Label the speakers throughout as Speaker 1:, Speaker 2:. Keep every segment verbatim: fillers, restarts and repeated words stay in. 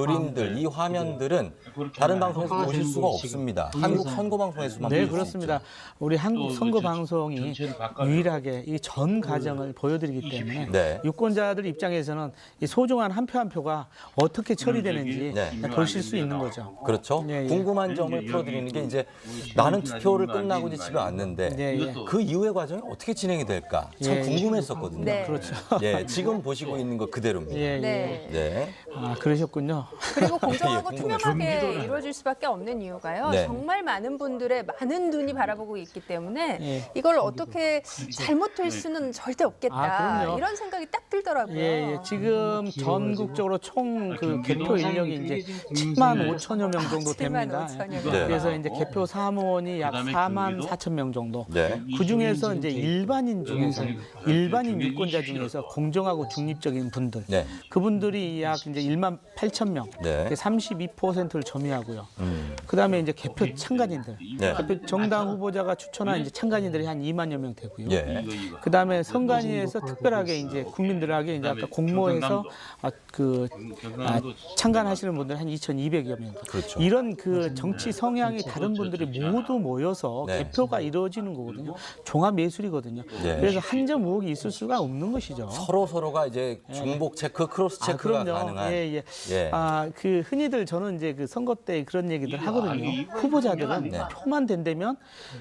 Speaker 1: 그림들, 이 화면들은 다른 방송에서 보실 수가 없습니다. 한국 선거 방송에서만
Speaker 2: 네,
Speaker 1: 보실 수
Speaker 2: 그렇습니다.
Speaker 1: 있죠.
Speaker 2: 우리 한국 선거 방송이 유일하게 이 전 과정을 보여드리기 때문에
Speaker 1: 네.
Speaker 2: 유권자들 입장에서는 이 소중한 한 표 한 표가 어떻게 처리되는지
Speaker 1: 네.
Speaker 2: 보실 수 있는 거죠.
Speaker 1: 그렇죠.
Speaker 2: 예, 예.
Speaker 1: 궁금한 점을 풀어드리는 게 이제 나는 투표를 끝나고 이제 집에 왔는데
Speaker 2: 예, 예.
Speaker 1: 그 이후의 과정이 어떻게 진행이 될까 참
Speaker 2: 예, 예.
Speaker 1: 궁금했었거든요.
Speaker 3: 네.
Speaker 2: 그렇죠.
Speaker 1: 예, 지금 보시고 있는 거 그대로입니다.
Speaker 2: 예, 예.
Speaker 3: 네.
Speaker 1: 네.
Speaker 2: 아, 그러셨군요.
Speaker 3: 그리고 공정하고
Speaker 1: 예,
Speaker 3: 투명하게 이루어질 수밖에 없는 이유가요.
Speaker 1: 네.
Speaker 3: 정말 많은 분들의 많은 눈이 바라보고 있기 때문에
Speaker 2: 예.
Speaker 3: 이걸 어떻게 잘못될 수는 절대 없겠다.
Speaker 2: 아, 그럼요.
Speaker 3: 이런 생각이 딱 들더라고요.
Speaker 2: 예, 예. 지금 전국적으로 총 그 개표 인력이 이제 칠만 오천여 명 정도
Speaker 3: 칠만
Speaker 2: 됩니다.
Speaker 3: 오천여 명.
Speaker 1: 네.
Speaker 2: 그래서 이제 개표 사무원이 약 사만 사천 명 정도.
Speaker 1: 네.
Speaker 2: 그 중에서 이제 일반인 중에서 일반인 유권자 중에서 공정하고 중립적인 분들,
Speaker 1: 네.
Speaker 2: 그분들이 약 이제 일만 팔천 명,
Speaker 1: 네.
Speaker 2: 삼십이 퍼센트를 점유하고요.
Speaker 1: 음.
Speaker 2: 그다음에 이제 개표 참가진들,
Speaker 1: 네.
Speaker 2: 개표 정당 후보자가 추천한 이제 참가진들이 한 이만여 명 되고요.
Speaker 1: 예.
Speaker 2: 그다음에 선관위에서 특별하게 이제 국민들에게 이제 아까 공모해서 아, 그 아, 참관하시는 분들 한 이천이백여 명.
Speaker 1: 그렇죠.
Speaker 2: 이런 그 정치 성향이 다른 분들이 모두 모여서
Speaker 1: 네.
Speaker 2: 개표가 이루어지는 거거든요. 종합 예술이거든요.
Speaker 1: 네.
Speaker 2: 그래서 한 점 의혹이 있을 수가 없는 것이죠.
Speaker 1: 서로 서로가 이제 중복 체크, 크로스
Speaker 2: 아,
Speaker 1: 체크가
Speaker 2: 그럼요.
Speaker 1: 가능한.
Speaker 2: 예, 예.
Speaker 1: 예.
Speaker 2: 아, 그 흔히들 저는 이제 그 선거 때 그런 얘기들 하거든요. 후보자들은
Speaker 1: 네.
Speaker 2: 표만 된다면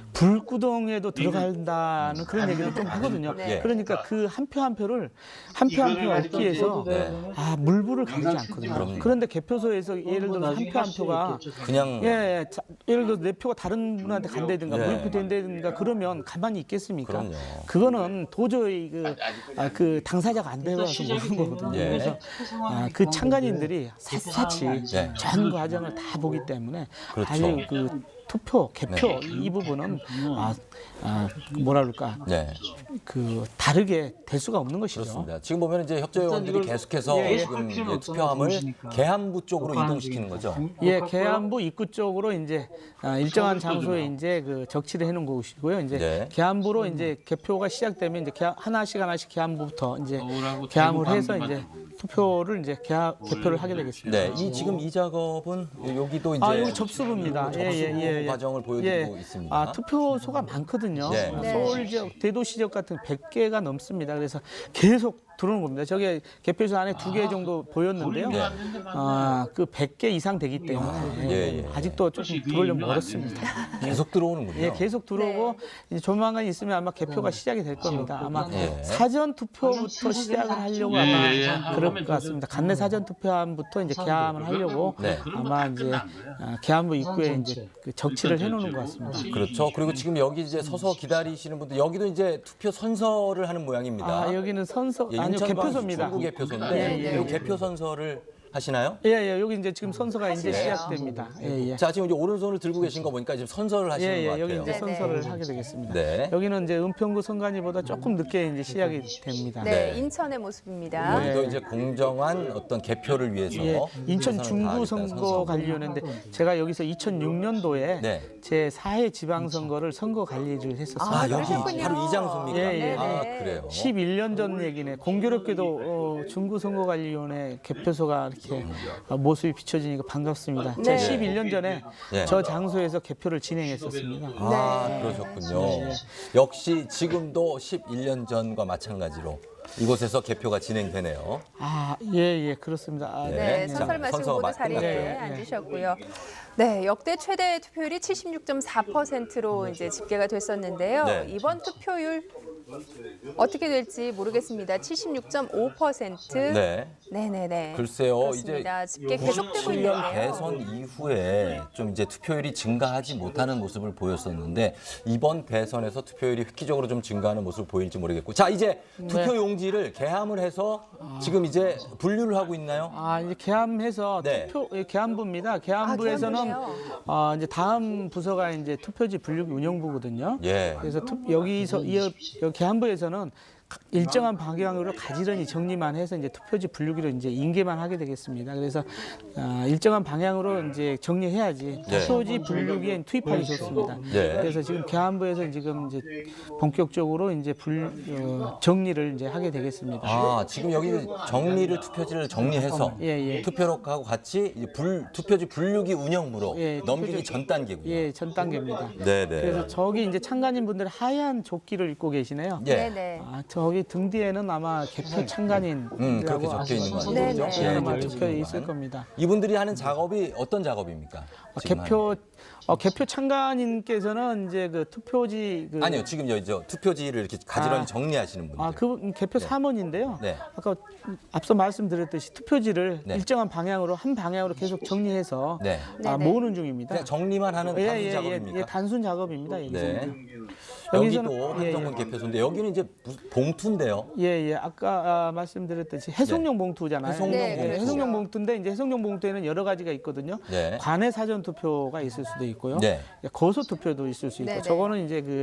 Speaker 2: 불구덩이에도 들어간다는 그런 얘기를 좀 하거든요.
Speaker 1: 네.
Speaker 2: 그러니까 그 한 표 한 표를 한 표 한 표 얻기 위해서
Speaker 1: 네.
Speaker 2: 아, 물불을 가리지 않거든요.
Speaker 1: 그럼요.
Speaker 2: 그런데 개표소에서 예를 들어 한 표 한 표가
Speaker 1: 그냥
Speaker 2: 예, 예. 자, 예를 들어 내 표가 다른 분한테 간다든가
Speaker 1: 네.
Speaker 2: 무효표 된다든가 그러면 가만히 있겠습니까?
Speaker 1: 그럼요.
Speaker 2: 그거는 도저히 그, 아, 그 당사자가 안 되어서 모르는 거거든요.
Speaker 1: 예.
Speaker 2: 그래서 아, 그 참관인들이 샅샅이
Speaker 1: 네.
Speaker 2: 전 과정을 다 보기 때문에
Speaker 1: 그렇죠.
Speaker 2: 아주 그 투표, 개표 이 부분은 아, 아, 뭐라 그럴까
Speaker 1: 네.
Speaker 2: 그 다르게 될 수가 없는 것이죠.
Speaker 1: 그렇습니다. 지금 보면 이제 협조위원들이 계속해서
Speaker 2: 예, 예.
Speaker 1: 지금 이제 투표함을 계함부 쪽으로 이동시키는 거죠.
Speaker 2: 예, 계안부 입구 쪽으로 이제 아, 일정한 장소에 이제 그 적치를 해놓은 곳이고요. 이제
Speaker 1: 네.
Speaker 2: 계안부로 이제 개표가 시작되면 이제 계안, 하나씩 하나씩 계안부부터 이제 계함을 해서 이제 투표를 이제 개하, 개표를 하게 되겠습니다.
Speaker 1: 네, 이 지금 이 작업은 여기도 이제
Speaker 2: 아, 여기 접수부입니다.
Speaker 1: 접수
Speaker 2: 예, 예, 예, 예.
Speaker 1: 과정을 보여드리고 있습니다.
Speaker 2: 아, 투표소가 많거든요.
Speaker 1: 네.
Speaker 2: 아,
Speaker 3: 네.
Speaker 2: 서울 지역, 대도시 지역 같은 백 개가 넘습니다. 그래서 계속 들어오는 겁니다. 저게 개표소 안에 두 개 정도 보였는데요.
Speaker 1: 네.
Speaker 2: 아, 그 백 개 이상 되기 때문에
Speaker 1: 예, 예.
Speaker 2: 아직도 조금 들어오려면 멀었습니다.
Speaker 1: 계속 들어오는군요.
Speaker 2: 예, 계속 들어오고
Speaker 3: 네.
Speaker 2: 이제 조만간 있으면 아마 개표가 시작이 될 겁니다. 아마
Speaker 1: 예.
Speaker 2: 사전 투표부터 시작을 하려고 아마 그럴 것 같습니다. 간내 사전 투표함부터 이제 개함을 하려고
Speaker 1: 네.
Speaker 2: 아마 이제 아, 개함부 입구에 이제 그 적치를 해놓는 것 같습니다.
Speaker 1: 그렇죠. 그리고 지금 여기 이제 서서 기다리시는 분들 여기도 이제 투표 선서를 하는 모양입니다.
Speaker 2: 아, 여기는 선서
Speaker 1: 예,
Speaker 2: 아니요
Speaker 1: 인천
Speaker 2: 개표소입니다.
Speaker 1: 중구 개표소인데
Speaker 3: 예, 예.
Speaker 1: 이 개표 선서를 하시나요?
Speaker 2: 예, 예, 여기 이제 지금 선서가 이제
Speaker 3: 하시네요.
Speaker 2: 시작됩니다. 예, 예.
Speaker 1: 자, 지금 이제 오른손을 들고 계신 거 보니까 지금 선서를 하시는
Speaker 2: 예,
Speaker 1: 것
Speaker 2: 예,
Speaker 1: 같아요.
Speaker 2: 여기 이제
Speaker 3: 네,
Speaker 2: 선서를
Speaker 3: 네.
Speaker 2: 하게 되겠습니다.
Speaker 1: 네.
Speaker 2: 여기는 이제 은평구 선관위보다 조금 늦게 이제 시작이 됩니다.
Speaker 3: 네,
Speaker 1: 네.
Speaker 3: 인천의 모습입니다.
Speaker 2: 네.
Speaker 1: 여기도 이제 공정한 어떤 개표를 위해서
Speaker 2: 예, 인천
Speaker 1: 최선을
Speaker 2: 중구
Speaker 1: 다하겠다는
Speaker 2: 선거관리위원회인데 제가 여기서 이천육 년도에
Speaker 1: 네.
Speaker 2: 제 사 회 지방선거를 선거 관리를 했었습니다.
Speaker 1: 아, 여기
Speaker 3: 그러셨군요.
Speaker 1: 바로 이 장소입니까?
Speaker 2: 예, 예.
Speaker 1: 아,
Speaker 3: 네.
Speaker 1: 그래요.
Speaker 2: 십일 년 전 얘기네. 공교롭게도 어, 중구선거관리위원회 개표소가 이렇게 어, 모습이 비춰지니까 반갑습니다.
Speaker 3: 네.
Speaker 2: 제가 십일 년 전에
Speaker 1: 네.
Speaker 2: 저 장소에서 개표를 진행했었습니다.
Speaker 1: 아,
Speaker 3: 네.
Speaker 1: 그러셨군요.
Speaker 2: 네.
Speaker 1: 역시 지금도 십일 년 전과 마찬가지로 이곳에서 개표가 진행되네요.
Speaker 2: 아, 예, 예, 그렇습니다. 아,
Speaker 1: 네.
Speaker 3: 네,
Speaker 1: 자,
Speaker 3: 선서를 마치고
Speaker 1: 선서가
Speaker 3: 모두
Speaker 1: 마-
Speaker 3: 자리에
Speaker 2: 끝났고요.
Speaker 3: 앉으셨고요. 네, 역대 최대 투표율이 칠십육 점 사 퍼센트로 이제 집계가 됐었는데요.
Speaker 1: 네.
Speaker 3: 이번 투표율 어떻게 될지 모르겠습니다. 칠십육 점 오 퍼센트.
Speaker 1: 네.
Speaker 3: 네네네.
Speaker 1: 글쎄요,
Speaker 3: 그렇습니다. 집계 계속되고
Speaker 1: 구십칠 년
Speaker 3: 있는데요.
Speaker 1: 대선 이후에 좀 이제 투표율이 증가하지 못하는 모습을 보였었는데 이번 대선에서 투표율이 획기적으로 좀 증가하는 모습을 보일지 모르겠고, 자 이제 투표 용지를 개함을 해서 지금 이제 분류를 하고 있나요?
Speaker 2: 아, 이제 개함해서
Speaker 1: 네.
Speaker 2: 투표 예, 개함부입니다. 개함부에서는
Speaker 3: 아, 개함부네요.
Speaker 2: 어, 이제 다음 부서가 이제 투표지 분류 운영부거든요.
Speaker 1: 예.
Speaker 2: 그래서 투, 여기서 이 여- 개함부에서는 일정한 방향으로 가지런히 정리만 해서 이제 투표지 분류기로 이제 인계만 하게 되겠습니다. 그래서 아, 일정한 방향으로 이제 정리해야지
Speaker 1: 네.
Speaker 2: 투표지 분류기에 투입하기 좋습니다.
Speaker 1: 네.
Speaker 2: 그래서 지금 계안부에서 지금 이제 본격적으로 이제 불 어, 정리를 이제 하게 되겠습니다.
Speaker 1: 아, 지금 여기 정리를 투표지를 정리해서
Speaker 2: 예, 예.
Speaker 1: 투표록하고 같이 이제 불, 투표지 분류기 운영부로
Speaker 2: 예,
Speaker 1: 넘기기
Speaker 2: 투표지-
Speaker 1: 전 단계고요.
Speaker 2: 예, 전 단계입니다.
Speaker 1: 네, 네.
Speaker 2: 그래서 저기 이제 참관인 분들 하얀 조끼를 입고 계시네요.
Speaker 1: 예.
Speaker 3: 네네.
Speaker 2: 아, 저기 등 뒤에는 아마 개표 참관인
Speaker 1: 음, 그렇게 적혀 있는 거 같아요.
Speaker 3: 네,
Speaker 1: 그죠?
Speaker 3: 네.
Speaker 1: 예,
Speaker 2: 아마
Speaker 1: 이제
Speaker 2: 적혀 있을
Speaker 1: 지금
Speaker 2: 겁니다.
Speaker 1: 이분들이 하는 작업이 어떤 작업입니까?
Speaker 2: 아,
Speaker 1: 지금
Speaker 2: 개표 어, 개표 참관인께서는 이제 그 투표지 그
Speaker 1: 하는. 아니요, 지금 여기 저 투표지를 이렇게 가지런히
Speaker 2: 아.
Speaker 1: 정리하시는 분들.
Speaker 2: 아, 그 개표 사무원인데요.
Speaker 1: 네.
Speaker 2: 아까 앞서 말씀드렸듯이 투표지를
Speaker 1: 네.
Speaker 2: 일정한 방향으로 한 방향으로 계속 정리해서
Speaker 1: 네.
Speaker 2: 아,
Speaker 3: 네네.
Speaker 2: 모으는 중입니다.
Speaker 1: 그냥 정리만 하는
Speaker 2: 예,
Speaker 1: 단순
Speaker 2: 예, 예,
Speaker 1: 작업입니까?
Speaker 2: 예, 단순 작업입니다. 여기서는.
Speaker 1: 네.
Speaker 2: 여기서는-
Speaker 1: 여기도
Speaker 2: 예,
Speaker 1: 한정문
Speaker 2: 예.
Speaker 1: 개표소인데 여기는 이제 무슨 봉투인데요.
Speaker 2: 예, 예. 아까 아, 말씀드렸듯이 해송용 봉투잖아요.
Speaker 1: 해송용
Speaker 3: 네,
Speaker 1: 봉투.
Speaker 2: 예, 해송용 봉투인데 이제 해송용 봉투에는 여러 가지가 있거든요.
Speaker 1: 네.
Speaker 2: 관내 사전 투표가 있을 수도 있고요.
Speaker 1: 네.
Speaker 2: 거소 투표도 있을 수 있고
Speaker 3: 네네.
Speaker 2: 저거는 이제 그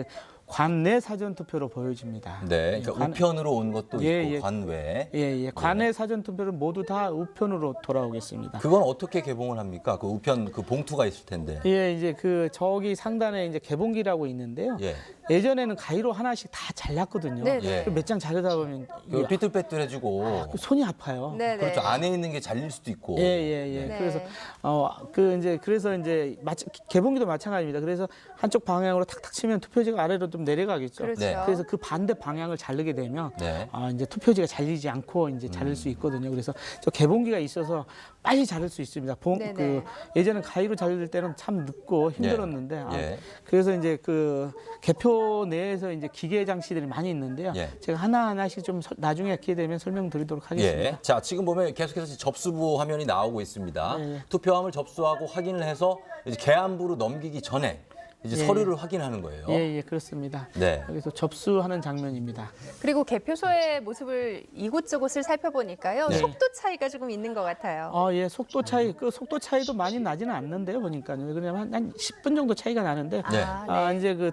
Speaker 2: 관내 사전 투표로 보여집니다.
Speaker 1: 네. 그러니까
Speaker 2: 관-
Speaker 1: 우편으로 온 것도
Speaker 2: 예,
Speaker 1: 있고
Speaker 2: 예.
Speaker 1: 관외.
Speaker 2: 예, 예. 관내 사전 투표는 모두 다 우편으로 돌아오겠습니다.
Speaker 1: 그건 어떻게 개봉을 합니까? 그 우편 그 봉투가 있을 텐데.
Speaker 2: 예, 이제 그 저기 상단에 이제 개봉기라고 있는데요.
Speaker 1: 예.
Speaker 2: 예전에는 가위로 하나씩 다 잘랐거든요.
Speaker 3: 네네.
Speaker 1: 예.
Speaker 2: 몇 장 자르다 보면
Speaker 1: 그
Speaker 2: 이게
Speaker 1: 삐뚤빼뚤해지고
Speaker 2: 손이 아파요.
Speaker 3: 네네.
Speaker 1: 그렇죠. 안에 있는 게 잘릴 수도 있고.
Speaker 2: 예, 예, 예.
Speaker 3: 네.
Speaker 2: 그래서 어 그 이제 그래서 이제 마치 개봉기도 마찬가지입니다. 그래서 한쪽 방향으로 탁탁 치면 투표지가 아래로 좀 내려가겠죠.
Speaker 3: 그렇죠.
Speaker 1: 네.
Speaker 2: 그래서 그 반대 방향을 자르게 되면
Speaker 1: 네.
Speaker 2: 아, 이제 투표지가 잘리지 않고 이제 자를 수 있거든요. 그래서 저 개봉기가 있어서 빨리 자를 수 있습니다. 봉,
Speaker 3: 네네.
Speaker 2: 그 예전에 가위로 자를 때는 참 늦고 힘들었는데 아,
Speaker 1: 예.
Speaker 2: 그래서 이제 그 개표 내에서 이제 기계 장치들이 많이 있는데요.
Speaker 1: 예.
Speaker 2: 제가 하나 하나씩 좀 설- 나중에 기회 되면 설명드리도록 하겠습니다.
Speaker 1: 예. 자, 지금 보면 계속해서 접수부 화면이 나오고 있습니다.
Speaker 2: 예, 예.
Speaker 1: 투표함을 접수하고 확인을 해서 이제 개안부로 넘기기 전에 이제
Speaker 2: 예,
Speaker 1: 서류를 확인하는 거예요.
Speaker 2: 예, 예, 그렇습니다.
Speaker 1: 네.
Speaker 2: 여기서 접수하는 장면입니다.
Speaker 3: 그리고 개표소의 모습을 이곳저곳을 살펴보니까요.
Speaker 1: 네.
Speaker 3: 속도 차이가 조금 있는 것 같아요.
Speaker 2: 어, 예, 속도 차이, 그 속도 차이도 많이 나지는 않는데요, 보니까요. 그냥 한, 한 십 분 정도 차이가 나는데,
Speaker 1: 네.
Speaker 3: 아,
Speaker 2: 아, 이제 그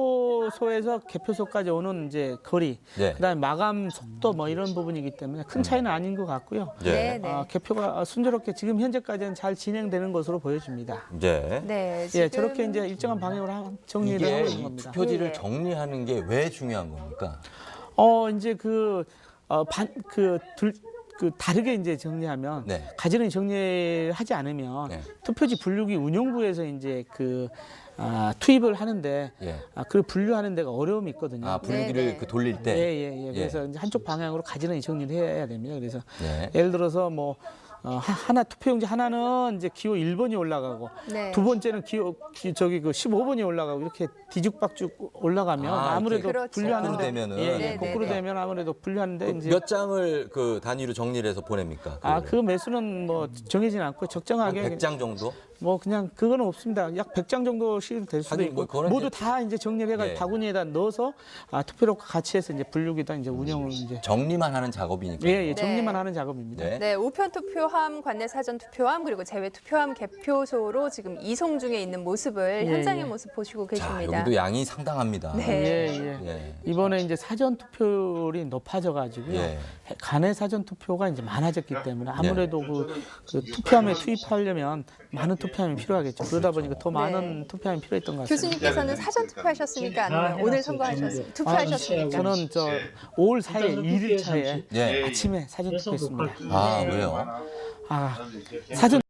Speaker 2: 투표소에서 개표소까지 오는 이제 거리,
Speaker 1: 네.
Speaker 2: 그다음에 마감 속도 뭐 이런 부분이기 때문에 큰 차이는 아닌 것 같고요.
Speaker 1: 네.
Speaker 3: 네.
Speaker 2: 아, 개표가 순조롭게 지금 현재까지는 잘 진행되는 것으로 보여집니다.
Speaker 1: 네.
Speaker 3: 네,
Speaker 2: 예,
Speaker 3: 지금
Speaker 2: 저렇게 이제 일정한 방향으로 하- 정리를
Speaker 1: 이게
Speaker 2: 하고 있는
Speaker 1: 이
Speaker 2: 겁니다.
Speaker 1: 투표지를
Speaker 3: 예.
Speaker 1: 정리하는 게 왜 중요한 겁니까?
Speaker 2: 어, 이제 그, 어, 반, 그, 둘, 그 다르게 이제 정리하면
Speaker 1: 네.
Speaker 2: 가지런히 정리하지 않으면
Speaker 1: 네.
Speaker 2: 투표지 분류기 운영부에서 이제 그 아, 투입을 하는데
Speaker 1: 예.
Speaker 2: 아, 그 분류하는 데가 어려움이 있거든요.
Speaker 1: 아, 분위기를
Speaker 3: 네, 네.
Speaker 1: 그 돌릴
Speaker 2: 예,
Speaker 1: 때.
Speaker 2: 예, 예. 그래서 이제 한쪽 방향으로 가지런히 정리를 해야 됩니다. 그래서
Speaker 1: 네.
Speaker 2: 예를 들어서 뭐 어, 하- 하나 투표용지 하나는 이제 기호 일 번이 올라가고
Speaker 3: 네.
Speaker 2: 두 번째는 기호 기- 저기 그 십오 번이 올라가고 이렇게 뒤죽박죽 올라가면
Speaker 1: 아,
Speaker 2: 아무래도
Speaker 3: 이렇게 그렇죠.
Speaker 2: 분류하는데
Speaker 1: 거꾸로 되면은.
Speaker 2: 예, 예,
Speaker 3: 네,
Speaker 2: 거꾸로
Speaker 3: 네, 네.
Speaker 2: 되면 아무래도 분류하는데 이제
Speaker 1: 몇 장을 그 단위로 정리를 해서 보냅니까?
Speaker 2: 아, 그 매수는 뭐 정해지는 않고 적정하게
Speaker 1: 백 장 정도?
Speaker 2: 뭐 그냥 그거는 없습니다. 약 백 장 정도씩 될 수도
Speaker 1: 하긴
Speaker 2: 있고
Speaker 1: 뭐 그거는
Speaker 2: 모두
Speaker 1: 이제-
Speaker 2: 다 이제 정리를 해가
Speaker 1: 예.
Speaker 2: 바구니에다 넣어서 아, 투표록과 같이 해서 이제 분류기다 이제 운영을 이제
Speaker 1: 정리만 하는 작업이니까.
Speaker 2: 예, 예, 정리만
Speaker 3: 네.
Speaker 2: 하는 작업입니다.
Speaker 1: 네.
Speaker 3: 네, 우편 투표함, 관내 사전 투표함, 그리고 제외 투표함 개표소로 지금 이송 중에 있는 모습을
Speaker 2: 예,
Speaker 3: 현장의
Speaker 2: 예.
Speaker 3: 모습 보시고
Speaker 1: 자,
Speaker 3: 계십니다.
Speaker 1: 여기도 양이 상당합니다.
Speaker 3: 네.
Speaker 2: 예, 예.
Speaker 1: 예.
Speaker 2: 이번에 이제 사전 투표율이 높아져 가지고요.
Speaker 1: 예.
Speaker 2: 간의 사전 투표가 이제 많아졌기 때문에 아무래도 그, 그 투표함에 투입하려면 많은 투표함이 필요하겠죠. 그러다 보니까 더 많은 투표함이 필요했던 것 같습니다.
Speaker 3: 교수님께서는 사전 투표하셨습니까? 아니면 오늘 선거하셨,
Speaker 2: 아,
Speaker 3: 투표하셨습니까?
Speaker 2: 저는 저 오월 사일 일 일 차에
Speaker 1: 예.
Speaker 2: 아침에 사전 투표했습니다.
Speaker 1: 아, 왜요?
Speaker 2: 아, 사전